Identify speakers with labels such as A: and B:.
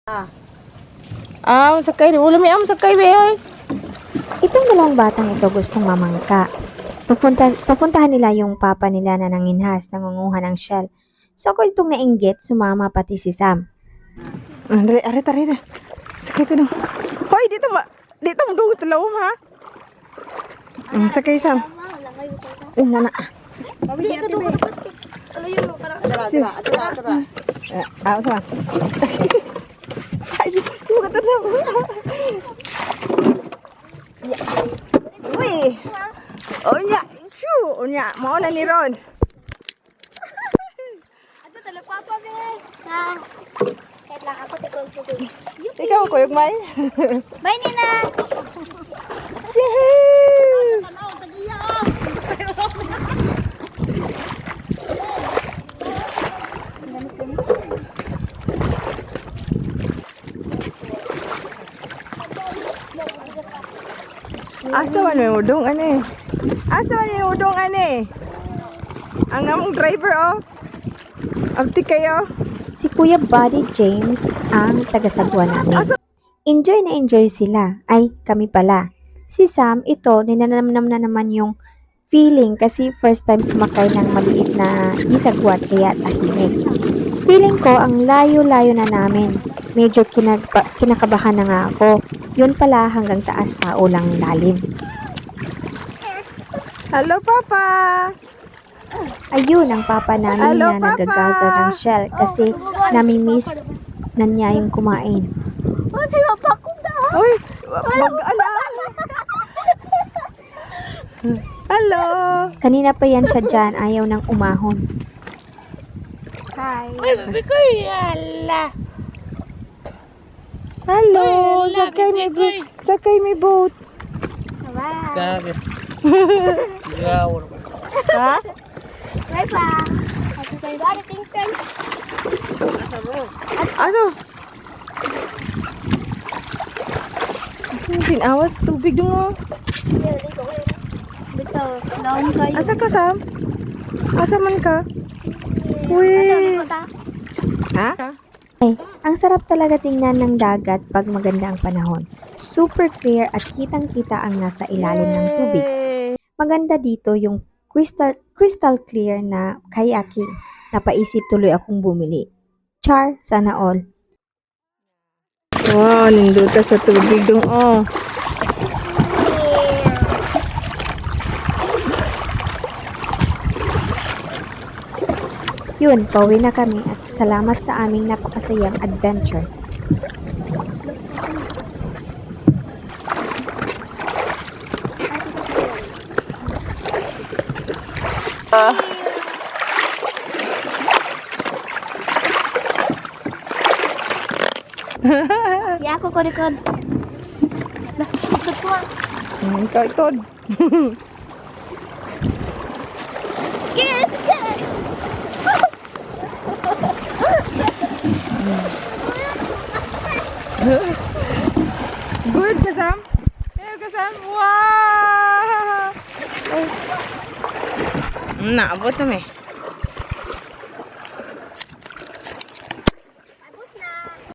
A: Sakay. Wala may sakay, be, oy.
B: Itong dalawang batang ito gustong mamangka. Pupuntahan nila yung papa nila na nanginhas, nangunguha ng shell. So kung itong nainggit, sumama pati si Sam.
A: Are. Sakay ito. Hoy, dito mo doon talawom, ha? Sakay, Sam. Nana. Tara. Ay, buka to na. Uy. Onya, mau na ni Ron.
C: Ato talo papa be. Ha. Kahit lang ako tikol ko.
A: Ikaw ko yung may.
C: Bye Nina.
A: Yehey! Asa man may udong ane? Ang among driver oh. Abti kayo.
B: Si Kuya Buddy James ang tagasagwa namin. Enjoy na enjoy sila. Ay, kami pala. Si Sam, ito, ninanamnam na naman yung feeling kasi first time sumakay ng maliit na isagwat kaya tahimik. Feeling ko, ang layo-layo na namin. Medyo kinakabahan na nga ako. Yun pala hanggang taas tao lang lalim.
A: Hello, Papa.
B: Ayun ang papa namin
A: Hello,
B: na
A: Papa!
B: nagagather ng shell kasi nami-miss na niya yung kumain.
C: Oh, sayo pa ko da.
A: Uy, mag-ala. Hello.
B: Kanina pa yan siya dyan, ayaw ng umahon.
C: Hi.
A: Hello. Sakay may boat.
C: Bye.
A: Ha?
C: Bye pa. Ato tayo ba ting.
A: Aso. Tinawas tubig dun oh.
C: Bito, down kayo.
A: Asa ka, Sam? Asa man ka? Uy. Ha?
B: Ang sarap talaga tingnan ng dagat pag maganda ang panahon. Super clear at kitang-kita ang nasa ilalim ng tubig. Maganda dito yung crystal clear na kayaking. Napaisip tuloy akong bumili. Char, sana all.
A: Wow, nindot ka sa tubig dun oh.
B: Yun, pauwi na kami at salamat sa aming napakasayang adventure.
C: Ya ako ko record. Lah, ikot ko.
A: Ikaw itod.
C: Yes.
A: Good ka, Sam? Ka, Sam? Wow! Naabot na may.